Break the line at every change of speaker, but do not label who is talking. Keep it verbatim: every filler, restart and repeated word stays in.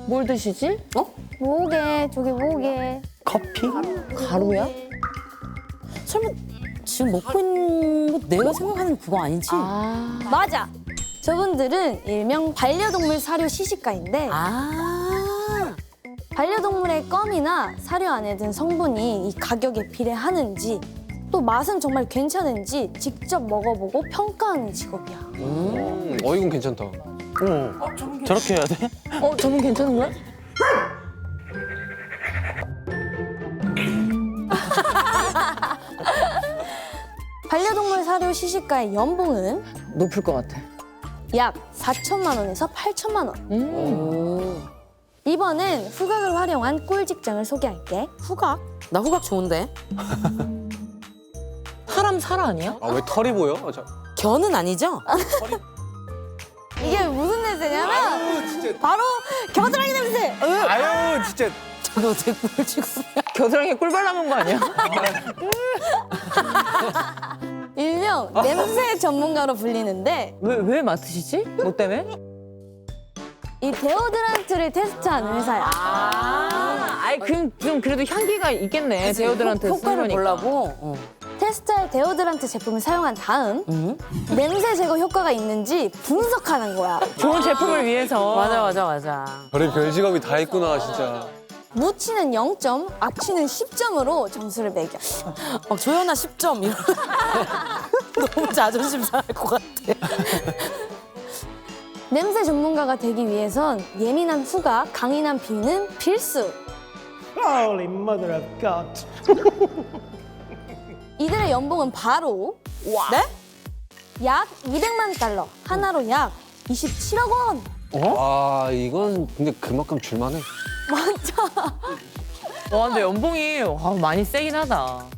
뭘 드시지? 어?
뭐게, 저게 뭐게.
커피?
가루야? 설마 지금 먹고 있는 거 내가 생각하는 그거 아니지?
아. 맞아. 저분들은 일명 반려동물 사료 시식가인데
아.
반려동물의 껌이나 사료 안에 든 성분이 이 가격에 비례하는지 또 맛은 정말 괜찮은지 직접 먹어보고 평가하는 직업이야.
음, 어 이건 괜찮다.
어. 저렇게 해야 돼?
어, 저분 괜찮은 거야?
반려동물 사료 시식가의 연봉은
높을 것 같아.
약 사천만 원에서 팔천만 원.
음.
이번엔 후각을 활용한 꿀 직장을 소개할게.
후각? 나 후각 좋은데?
사람 살 아니야?
아 왜 털이 보여? 아, 저,
견은 아니죠?
이게 무슨 냄새냐면 바로 겨드랑이 냄새.
아유 진짜.
저게 어떻게 꿀 치고
겨드랑이에 꿀 발라놓은 거 아니야?
일명 냄새 전문가로 불리는데
왜, 왜 맡으시지? 뭐 때문에?
이 데오드란트를 테스트한 회사야.
아, 아이, 그럼 좀 그래도 향기가 있겠네. 데오드란트
효과를
쓰려니까.
보려고. 어.
테스트할 데오드란트 제품을 사용한 다음
음?
냄새 제거 효과가 있는지 분석하는 거야.
좋은 제품을 위해서.
맞아, 맞아, 맞아.
별의 별 직업이 다 있구나 진짜.
무치는 영 점, 악취는 십 점으로 점수를 매겨.
막 조연아 십 점 이런. 너무 자존심 상할 것 같아.
냄새 전문가가 되기 위해선 예민한 후각, 강인한 비는 필수.
Holy mother of God.
이들의 연봉은 바로
네?
약 이백만 달러, 하나로 약 이십칠억 원.
와 이건 근데 그만큼 줄만해.
맞아.
와, 근데 연봉이 와, 많이 세긴 하다.